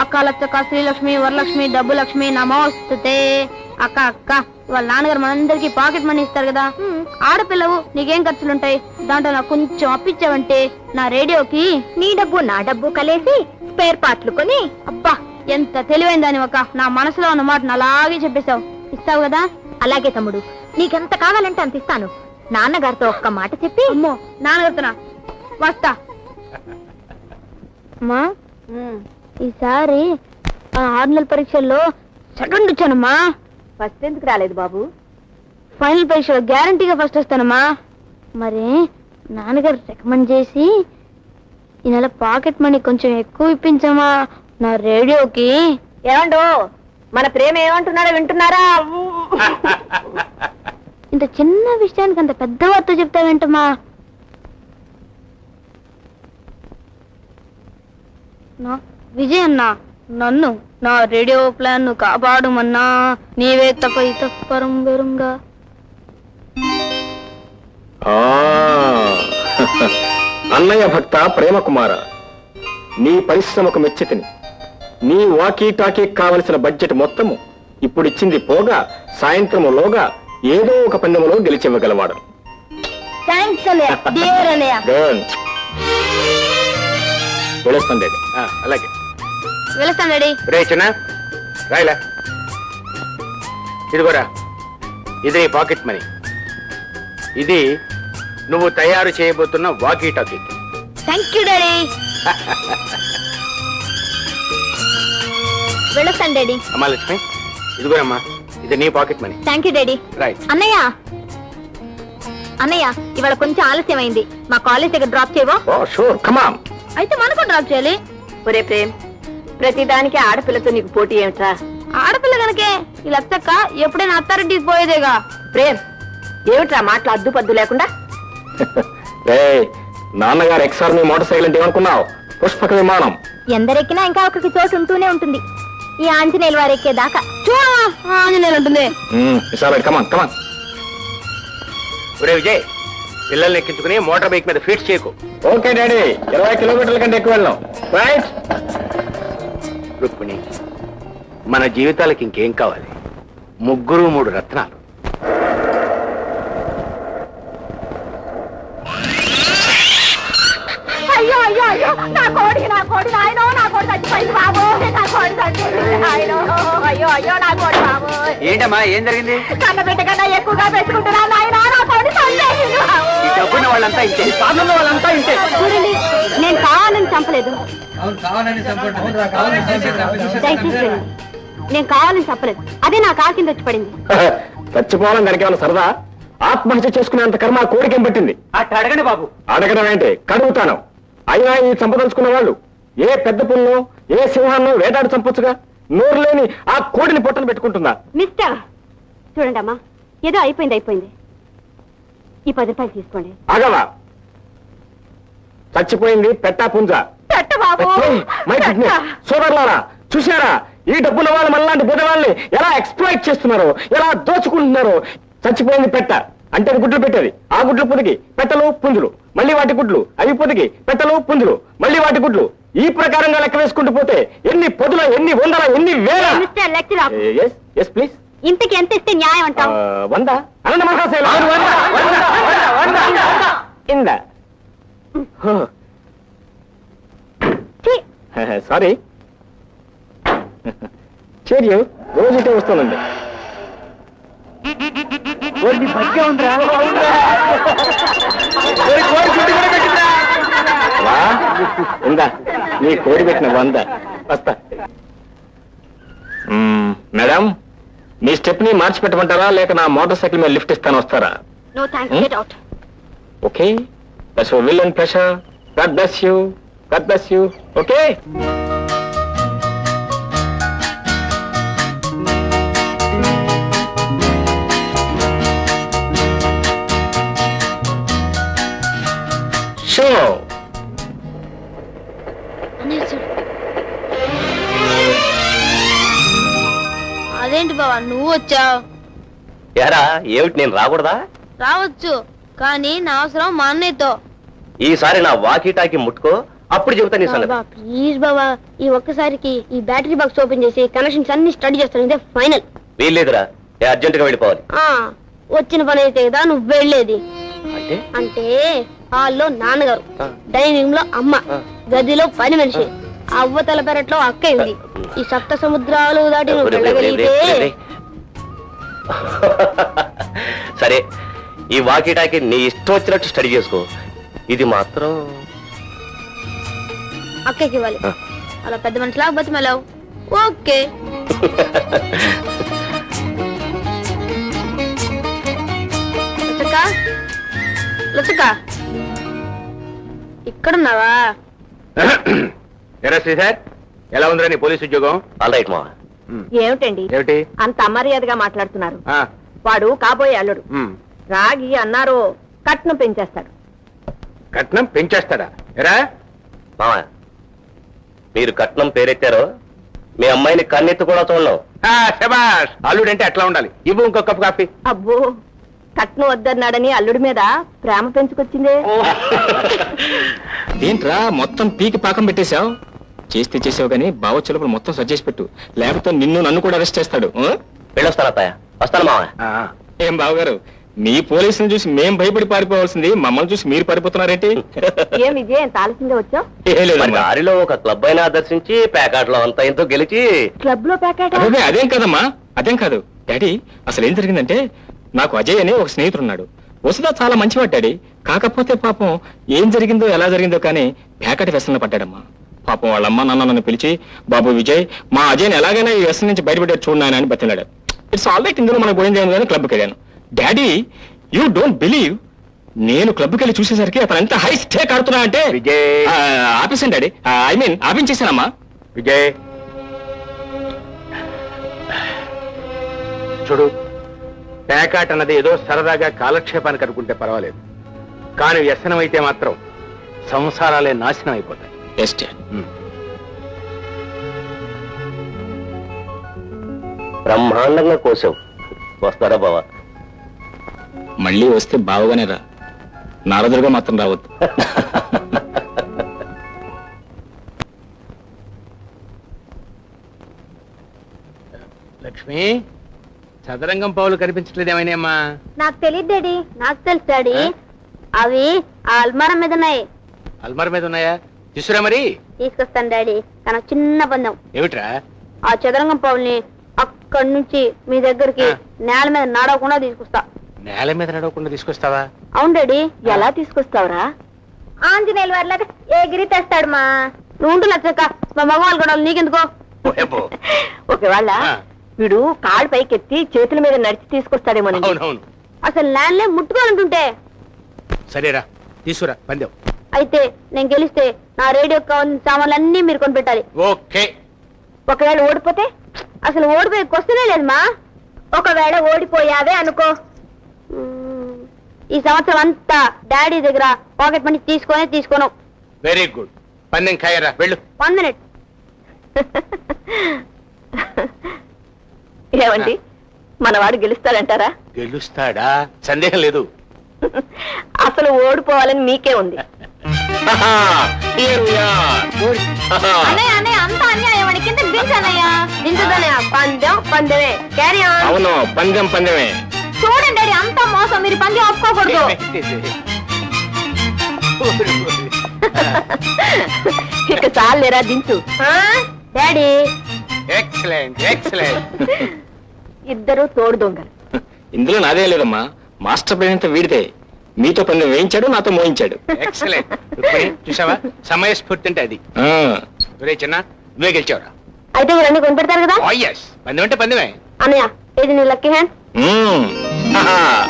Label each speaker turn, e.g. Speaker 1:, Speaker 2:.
Speaker 1: అక్క లచ్చక్క శ్రీలక్ష్మి వరలక్ష్మి డబ్బు లక్ష్మి నమోస్తుతే. అక్క అక్క వాళ్ళ నాన్నగారు మనందరికి పాకెట్ మనీ ఇస్తారు కదా, ఆడపిల్లవు నీకేం ఖర్చులుంటాయి, దాంట్లో నాకు కొంచెం అప్పిచ్చావంటే నా రేడియోకి
Speaker 2: నీ డబ్బు నా డబ్బు కలిసి స్పేర్ పార్ట్లు కొని.
Speaker 1: అబ్బా ఎంత తెలివైన దాని ఒక నా మనసులో ఉన్న మాట అలాగే చెప్పేశావు. ఇస్తావు కదా?
Speaker 2: అలాగే తమ్ముడు, నీకెంత కావాలంటే అంత ఇస్తాను. నాన్నగారితో ఒక్క మాట చెప్పి.
Speaker 1: అమ్మో నాన్నగారితోనా? వస్తా. అమ్మా ఈసారి 6 నెలల పరీక్షల్లో సెకండ్ వచ్చానమ్మా.
Speaker 2: ఫస్ట్ ఎందుకు రాలేదు బాబు?
Speaker 1: ఫైనల్ పరీక్షలో గ్యారంటీగా ఫస్ట్ వస్తానమ్మా. మరి నాన్నగారు రికమెండ్ చేసి ఈ నెల పాకెట్ మనీ కొంచెం ఎక్కువ ఇప్పించమ్మా నా రేడియోకి.
Speaker 2: ఏమండో మన ప్రేమ ఏమంటున్నాడో వింటున్నారా?
Speaker 1: ఇంత చిన్న విషయానికి అంత పెద్ద వార్త చెప్తావేంటమ్మా? విజయ్ అన్న నన్ను నా రేడియో ప్లాన్ ను కాపాడుమన్నా, నీవే తప్ప ఇతపరం వెరుంగా.
Speaker 3: అన్నయ్య భక్త ప్రేమకుమార, నీ పరిశ్రమకు మెచ్చితిని. నీ వాకీ టాకీ కావలసిన బడ్జెట్ మొత్తము ఇప్పుడు ఇచ్చింది పోగా సాయంత్రములోగా ఏదో ఒక పందెములో గెలిచివ్వగలవాడు.
Speaker 1: థాంక్స్ అన్నయ్య, డియర్ అన్నయ్య.
Speaker 3: వెళ్ళొస్తాను డాడీ. అలాగే
Speaker 1: వెళ్తాను డాడీ.
Speaker 3: రే చిన్న రాయలా, ఇదిగోరా, ఇది నీ పాకెట్ మనీ. ఇది నువ్వు తయారు చేయబోతున్న walkie talkie.
Speaker 1: Thank you daddy. వెళ్ళొస్తాను డాడీ.
Speaker 3: అమ్మా లక్ష్మి, ఇదిగోరమ్మా, ఇది నీ pocket money.
Speaker 2: Thank you daddy.
Speaker 3: Right.
Speaker 2: అన్నయ్య అన్నయ్య, ఇవాళ కొంచెం ఆలస్యం అయింది, మా కాలేజ్ దగ్గర డ్రాప్ చేయవో?
Speaker 3: Oh sure, come on.
Speaker 1: అయితే మనకు డ్రాప్ చేయాలి.
Speaker 2: ఒరే ప్రేమ్, ప్రతిదానికి ఆడపిల్లతో నీకు పోటీ ఏమిట్రా?
Speaker 1: ఆడపిల్ల కనుకే ఈ లచ్చక్క ఎప్పుడైనా అత్తారింటికి పోయేదేగా.
Speaker 2: ప్రేమ్, ఏమిట్రా మాటలు అద్దు పద్దు లేకుండా?
Speaker 3: రే, నాన్నగారు ఎక్స్ఆర్మీ మోటార్ సైకిల్ అంటే ఏమనుకున్నావు? పుష్పక విమానం.
Speaker 2: ఎందరెక్కినా ఇంకా ఒకరికి చోటు ఉంటూనే ఉంటుంది. ఈ ఆంజనేయులు వారు ఎక్కేదాకా.
Speaker 1: ఆంజనేయులు ఉంటుంది.
Speaker 3: కమాన్ కమాన్. ఒరే విజయ్, పిల్లల్ని ఎక్కించుకుని మోటార్ బైక్ మీద ఫీట్స్ చేయకు. ఓకే డాడీ, 20 కిలోమీటర్ల కంటే ఎక్కువ వెళ్ళాం. రైట్. రుక్మిణి, మన జీవితాలకి ఇంకేం కావాలి? 3 రత్నాలు.
Speaker 2: అయ్యో అయ్యో అయ్యో, నా కోడి నాయనో, నా కోడి చచ్చిపోయింది బాబు, నా కోడి చచ్చిపోయింది నాయనో. అయ్యో అయ్యో, నా కోడి బాబు.
Speaker 3: ఏంటమ్మా, ఏం జరిగింది?
Speaker 2: కన్న బిడ్డ కన్నా ఎక్కువగా పెట్టుకుంటున్నా నాయనా, నా కోడి చచ్చిపోయింది బాబు.
Speaker 3: ఈ డబ్బున్న వాళ్ళంతా ఇంతే, సాధన వాళ్ళంతా ఇంతే.
Speaker 2: చూడండి, నేను కావాలని చంపలేదు. దయచేసి వెళ్ళండి. నేను కావాలని చెప్పలేదు, అదే నా కాలు కింద వచ్చి పడింది.
Speaker 3: చచ్చిపోవాలని దానికి ఏమైనా సరదా? ఆత్మహత్య చేసుకునేంత కర్మ కోరికేం పట్టింది? అడగండి బాబు. అడగడం ఏంటి, కడుగుతాను. అయినా ఈ చంపదలుచుకున్న వాళ్ళు ఏ పెద్ద పుల్లు ఏ సింహాన్ని వేటాడు చంపొచ్చుగా. నోరు లేని ఆ కోడిని పొట్టను పెట్టుకుంటుందా?
Speaker 2: మిస్టర్, చూడండి అమ్మా, ఏదో అయిపోయింది. ఈ 10 రూపాయలు తీసుకోండి.
Speaker 3: ఆగవా, చచ్చిపోయింది పెట్టా పుంజ. సోదరులారా, చూశారా ఈ డబ్బుల వాళ్ళు మనలాంటి బుధవాళ్ళని ఎలా ఎక్స్ప్లాయిట్ చేస్తున్నారో, ఎలా దోచుకుంటున్నారో. చచ్చిపోయింది పెట్ట అంటే గుడ్లు పెట్టేది. ఆ గుడ్లు పొదిగి పెట్టలు పుంజులు, మళ్ళీ వాటి గుడ్లు, అవి పొదిగి పెట్టలు పుంజులు, మళ్ళీ వాటి గుడ్లు. ఈ ప్రకారంగా లెక్క వేసుకుంటూ పోతే ఎన్ని పొదుల, ఎన్ని వందల, ఎన్ని వేల. ప్లీజ్,
Speaker 2: ఇంతకి ఎంత ఇస్తే న్యాయం అంటావు?
Speaker 3: 100. అనంత మహాశైలు ఇంద. సారీ, చేరియు రోజు ఇటే వస్తానండి. ఇందా నీ కోడి పెట్టిన 100 వస్తా. మేడం, మీ స్టెప్ ని మార్చి పెట్టమంటారా, లేక నా మోటార్ సైకిల్ మీద లిఫ్ట్ ఇస్తాను, వస్తారా?
Speaker 2: No thanks, get out.
Speaker 3: Okay, that's your will and pressure. God bless you, God bless you. Okay. Show.
Speaker 1: అదేంటి బావా నువ్వు వచ్చావు?
Speaker 3: ఎరా ఏమిటి, నేను రాకూడదా?
Speaker 1: రావచ్చు, కానీ నా అవసరం మా అన్నయ్యతో.
Speaker 3: ఈసారి నా వాకీ టాకీ ముట్టుకో,
Speaker 4: అప్పుడు చెబుతా నీ సంగతి.
Speaker 1: ప్లీజ్ బాబా, ఈ ఒక్కసారికి ఈ బ్యాటరీ బాక్స్ ఓపెన్ చేసి కనెక్షన్స్ అన్ని స్టడీ చేస్తాను, ఇదే ఫైనల్.
Speaker 4: వీల్లేదురా, అర్జెంట్ గా వెళ్ళిపోవాలి.
Speaker 1: వచ్చిన పని అయితే కదా నువ్వు వెళ్ళేది.
Speaker 4: అంటే
Speaker 1: అంటే హాల్లో నాన్నగారు,
Speaker 4: ఆ.
Speaker 1: డైనింగ్ లో అమ్మ,
Speaker 4: ఆ.
Speaker 1: గదిలో పని మనిషి, అవ్వతల పెరట్లో అక్క ఉంది. ఈ సప్త సముద్రాలు దాటి నువ్వు వెళ్ళగలిగితే
Speaker 4: సరే, ఈ వాకిటాకి నీ ఇష్టం వచ్చినట్టు స్టడీ చేసుకో. ఇది మాత్రం
Speaker 1: అక్కకి ఇవ్వాలి.
Speaker 4: ఆ.
Speaker 1: అలా పెద్ద మనిషిలాగా బతిమలావు. ఓకే. లచ్చక్క, లచ్చక్క, ఇక్కడున్నావా?
Speaker 3: ఎరా శ్రీధర్, ఎలా ఉందిరా నీ పోలీస్ ఉద్యోగం?
Speaker 4: ఆల్ రైట్ మా.
Speaker 2: ఏమిటండి
Speaker 3: ఏమిటి?
Speaker 2: అంత అమర్యాదగా మాట్లాడుతున్నారు?
Speaker 3: ఆ,
Speaker 2: వాడు కాబోయే అల్లుడు.
Speaker 3: ఉమ్,
Speaker 2: రాగి అన్నారు కట్నం పెంచేస్తాడు.
Speaker 3: కట్నం పెంచేస్తాడా? ఎరా
Speaker 4: మావా, మీరు కట్నం పేరెత్తారో మీ అమ్మాయిని కన్నెత్తి కూడా చూడలేం.
Speaker 3: శబాష్, అల్లుడంటే అట్లా ఉండాలి. ఇవ్వు ఇంకో కప్పు కాఫీ.
Speaker 2: అబ్బో, కట్నం వద్దన్నాడని అల్లుడి మీద ప్రేమ పెంచుకొచ్చిందే.
Speaker 5: ఏంట్రా మొత్తం పీకి పాకం పెట్టేశావు? చేస్తే చేసావు గానీ బావొచ్చేటప్పుడు మొత్తం సజ్జేసి పెట్టు, లేకపోతే నన్ను కూడా అరెస్ట్ చేస్తాడు. ఆ?
Speaker 4: వెళ్ళొస్తాను అత్తయ్య, వస్తాను మావా.
Speaker 3: ఆ,
Speaker 5: ఏం బావగారు, మీ పోలీసుని చూసి మేం భయపడి పారిపోవాల్సింది మమ్మల్ని చూసి మీరు పారిపోతున్నారేంటి?
Speaker 2: ఏం విజయ్, ఎంత ఆలస్యంగా వచ్చావు?
Speaker 5: ఏ
Speaker 4: మరి
Speaker 5: లేదమ్మా.
Speaker 4: దారిలో ఒక క్లబ్ అయినా దర్శించి ప్యాకాట్లో అంతా ఎంతో గెలిచి
Speaker 2: క్లబ్ లో ప్యాకెట్?
Speaker 5: అదే అదేం కాదమ్మా, అదేం కాదు డాడీ. అసలు ఏం జరిగిందంటే, నాకు అజయ్ అనే ఒక స్నేహితుడు ఉన్నాడు. వసుదా చాలా మంచివాడు డాడీ. కాకపోతే పాపం ఏం జరిగిందో ఎలా జరిగిందో కానీ ప్యాకెట్ వ్యసనంలో పడ్డాడమ్మా. పాపం వాళ్ళమ్మ నాన్న నన్ను పిలిచి, బాబు విజయ్, మా అజయ్ని ఎలాగైనా ఈ వ్యసనం నుంచి బయటపడే చూడనాయన అని బతిలాడు. ఇట్స్ ఆల్ రైట్, ఇందులో మనకు పోయింది ఏమి, క్లబ్కి వెళ్ళాను. డాడీ, యూ డోంట్ బిలీవ్, నేను క్లబ్కి వెళ్ళి చూసేసరికి అతను ఎంత హై స్టేక్ ఆడుతున్నా అంటే
Speaker 3: విజయ్.
Speaker 5: ఆపేసాను డాడీ, ఐ మీన్ ఆపించేశానమ్మా.
Speaker 3: విజయ్ చూడు, పేకాట్ అన్నది ఏదో సరదాగా కాలక్షేపానికి అనుకుంటే పర్వాలేదు, కానీ వ్యసనం అయితే మాత్రం సంసారాలే నాశనం అయిపోతాయి.
Speaker 5: Yes dad.
Speaker 4: బ్రహ్మాండంగా కోసావు. వస్తారా బావా?
Speaker 5: మళ్ళీ వస్తే బావగానే రా, నారదులుగా మాత్రం రావద్దు.
Speaker 3: లక్ష్మి, చదరంగం పావులు కనిపించట్లేదేమైనాయమ్మా?
Speaker 1: నాకు తెలియదు డాడీ. నాకు తెలుసు డాడీ, అవి ఆ అల్మారా మీద ఉన్నాయి.
Speaker 3: అల్మార్ మీద ఉన్నాయా? తీసురా మరి.
Speaker 1: తీసుకొస్తాను డాడీ, కానీ ఒక చిన్న పందెం.
Speaker 3: ఏమిట్రా?
Speaker 1: ఆ చదరంగం పావుల్ని అక్కడి నుంచి మీ దగ్గరికి
Speaker 3: ఆ.
Speaker 1: నేల మీద నడవకుండా తీసుకొస్తా.
Speaker 3: నేల మీద నడవకుండా తీసుకొస్తావా?
Speaker 1: అవును డాడీ.
Speaker 2: ఎలా తీసుకొస్తావురా?
Speaker 1: ఆంజనేయులు వారిలాగా ఎగిరి తెస్తాడు మా. నువ్వు ఉండు లచ్చక్క, మా మగవాళ్ళు కూడా నీకెందుకో.
Speaker 3: ఓయబ్బో.
Speaker 2: ఒకవేళ
Speaker 3: ఆ.
Speaker 2: వీడు కాళ్ళు పైకెత్తి చేతుల మీద నడిచి తీసుకొస్తాడేమోనండి.
Speaker 3: అవునవును.
Speaker 1: అసలు ల్యాండ్లే ముట్టుకోవాలంటుంటే.
Speaker 3: సరేరా, తీసుకురా పందెం.
Speaker 1: అయితే నేను గెలిస్తే నా రేడియో కావాల్సిన సామాన్లన్నీ మీరు కొనిపెట్టాలి.
Speaker 3: ఓకే.
Speaker 2: ఒకవేళ ఓడిపోతే?
Speaker 1: అసలు ఓడిపోయే క్వశ్చనే లేదు మా.
Speaker 2: ఒకవేళ ఓడిపోయావే అనుకో,
Speaker 1: ఈ సంవత్సరం అంతా డాడీ దగ్గర పాకెట్ మనీ తీసుకోను.
Speaker 3: Very good. పందెం ఖాయరా, వెళ్ళు.
Speaker 1: 1 minute.
Speaker 2: ఏమండి, మనవాడు గెలుస్తాడంటారా?
Speaker 3: గెలుస్తాడా? సందేహం లేదు.
Speaker 2: అసలు ఓడిపోవాలని మీకే ఉంది.
Speaker 5: Here we are.
Speaker 1: అంతా అన్యాయం అని కింద దించనయ్యా. దించదనయ్య, పందెమే. Carry on.
Speaker 5: అవును, పందెమే.
Speaker 1: చూడండి డాడీ, అంతా మోసం. మీరు పందెం ఒప్పుకోకూడదు.
Speaker 2: ఇక చాలేరా, దించు.
Speaker 1: Daddy,
Speaker 3: excellent, excellent.
Speaker 2: ఇద్దరు తోడు దొంగలు.
Speaker 5: ఇందులో నాదే లేదమ్మా, మాస్టర్ ప్లాన్ అంతా వీడితే. మీతో పందెం వేయించాడు, నాతో మోయించాడు.
Speaker 3: ఎక్సలెంట్. చూసావా, సమయస్ఫూర్తి అంటే అది.
Speaker 5: ఆ,
Speaker 3: ఒరే చిన్న, నువ్వే గెలిచావురా.
Speaker 1: అయితే మీరు అన్ని కొనిపెడతారు కదా?
Speaker 3: ఓ ఎస్, పందెం అంటే పందెమే.
Speaker 1: అన్నయ్య, ఇది నీ లక్కీ హ్యాండ్.
Speaker 5: మ్మ్.